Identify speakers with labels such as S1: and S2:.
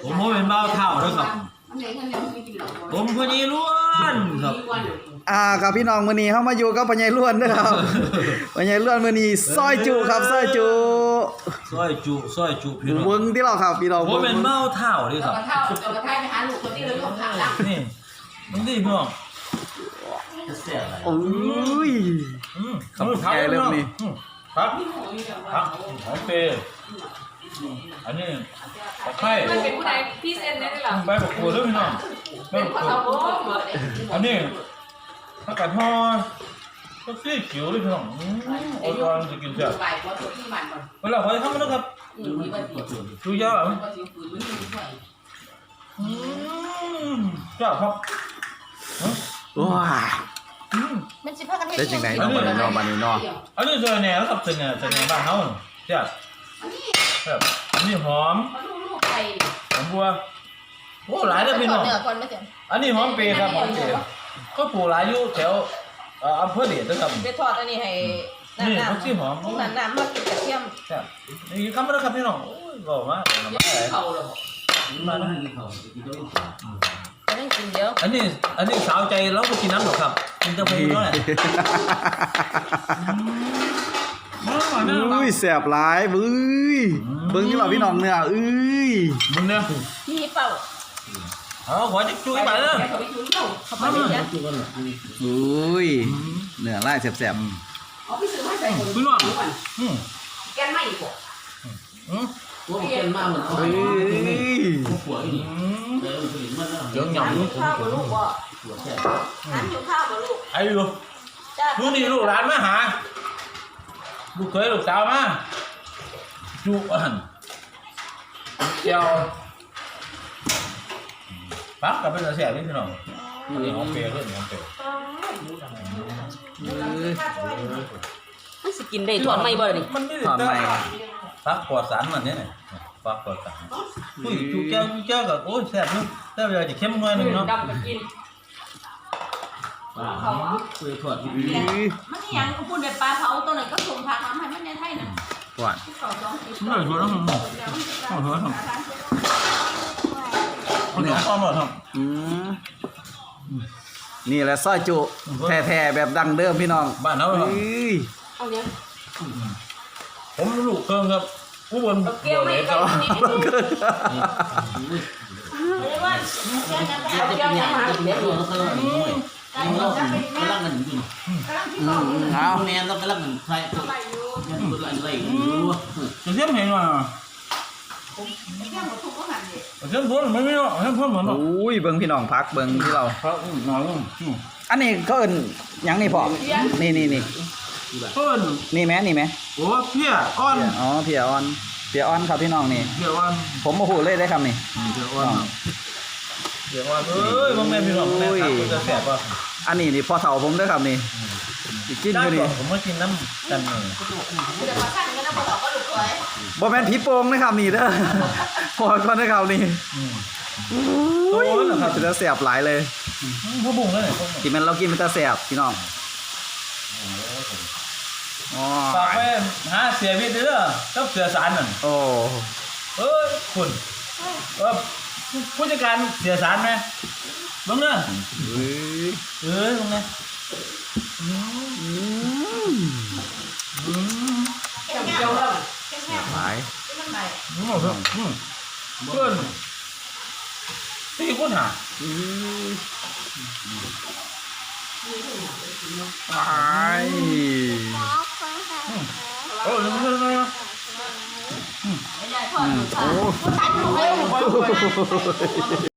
S1: ผมเป็นเบ้าเท่าด้วยครับผมพอดีล้วนครับ
S2: ครับพี่น้องมื้อนี้เฮามาอยู่กับพ่อใหญ่ล้วนเด้อครับพ่อใหญ่ล้วนมื้อนี้ซอยจุครับซอยจุ
S1: พี่น้อง
S2: เบิ่งที่เราครับพี่น้อง
S1: ผมเป็นเบ้าเท่าด้วยครับ
S3: เอากระทายไปหาลูกคนที่เราลูกขาละ
S1: นี่มันดีพี่น้อง
S2: โอ้ย
S1: ครับใหญ่เริ่มนี่ครับหอมเปย์อันนี้ตะไคร้
S3: มันเป็นผู้ใดพี่เซนได้หรอ
S1: ใบบักกูดด้วยพี่น้องใบบักกูดอันนี้ผักกาดทอดก็ซี่เขียวด้วยพี่น้องอ่อนๆจะกินแซ่บเวลาขอทำมันนะครับดูยาวจ้าครับ
S2: ว้า
S3: มันสิพากัน
S2: ได้จังได๋เนาะบัดนี้เนาะบัดนี้เนาะ
S1: อันนี้เจอแหน่ครับเจอแหน่บ้านเฮาจ้าครับอันนี้หอมหอมบัวโอ้หลายเด้อพี่น้องอันนี้หอมเปย์ครับหอมเปย์ก็ปลูกหลายอยู่แถวอำเภอเดชนะครับ
S3: ไปทอดอันนี้ให้
S1: นี่ผักชีหอม
S3: น้ำมากินกระเทียม
S1: ครับนี่คำนั้นครับพี่น้องโอ้ยหล่อมากมาแล้ว
S3: ต้องกินเยอะ
S1: อันนี้สาวใจแล้วก็กินน้ำหรอครับกินจะไปด้วย
S2: อุ้ยแซ่บหลายเบิ่งที่เราพี่น้องเนื้อ
S1: มึงเนี่ย
S3: พี่เป่า
S1: ขอจะจุ้ยไปเลย
S2: อุ้ยเนื้อลายแซ่บ
S1: ๆพี่น้อง
S3: แกนไม่กว่า
S4: ตัวแกนมาเหมือนเขาหัวนี่
S1: เดี๋ยวหย่ำ
S3: ข้าวมาลูกบ่อันอยู่ข้าวมาลูก
S1: ไอ้ลูกนี่ลูกหลานมาหาลูกเคยลูกสาวมาจุเจ้าปั๊บกับเป็นเสียนี่พี่น้องอันนี้หอมเปรี้ยวด้วยหอมเปรี้ยว
S3: มันสิกินได้ถอนไม่บ่ดิ
S1: มันไม่ได้ถอนไม่ฟักปลอดสารมันเนี่ยฟักปลอดสารอุ้ยจูแก้วกับโอ้ยแซ่บนึงแต่เวลาจะเข้มหน่อยนึงเนาะ
S3: ดำกับกิน
S4: คุยถอด
S3: มันนี่ยังพูดแบบปลาเผาตัวนึงก็ส่งพาทำให้มันในไทยน่ะ
S2: หวาน
S1: ไม่ถอดแล้วมั้งถอดแล้วเนี่ยอ้อมหมดครับ
S2: นี่แหละซอยจุแท้ๆแบบดังเดิมพี่น้อง
S1: บ้านเขาครับ
S3: เอาเนี้ย
S1: ผมลูกเครื่องครับผู้บน
S3: เกี่ยวไม่ก็นี่เรียกว่าเกี่ยวยังมาเดี๋ยว
S4: กำลังอยู่เอาแมนเรากำลังใส่ตัวอะไร
S1: จะเทียมเห็นว่าเทียมพ้นไม่เนาะเทียมพ้นเหมือนเนาะ
S2: อุ้ยเบิ่งพี่น้องพักเบิ่งที่เรา
S1: พักหน่อย
S2: อันนี้ก็เอิ้นหยังนี่พ่อนี่
S1: เพิ่น
S2: นี่แม่
S1: โอ้เพี้ยอ่อน
S2: เพี้ยอ่อนครับพี่น้องนี่
S1: เพี้ยอ่อน
S2: ผมบ่ฮู้เลยได้คำนี่
S1: เพี้ยอ่อนเอ้ยบ่แม่พี่น้องแม่ครับจะแซ่บป่ะ
S2: อันนี้นี่พอเฒ่าผมเด้อครับนี่กินอยู่นี่
S1: ผมมากินน้ำกันนี่
S2: บ่แม่นผีโป่งนะครับนี่เด้อพอก่อนนะครับนี่โอ้ยนะครับจะแซ่บหลายเลย
S1: พ่อบุ้งแล้วเนี่ย
S2: กินมันเรากินมันจะแซ่บพี่น้อง
S1: ฝากไปหาเสียวิทย์เด้อกับเสือสารนั่น
S2: โอ้
S1: คุณผู้จัดการเสียสารไหมบ้างเนอะบ้างนะ
S2: หลาย
S1: เพื่อนที่คุณหาโอ้ย
S3: โอ้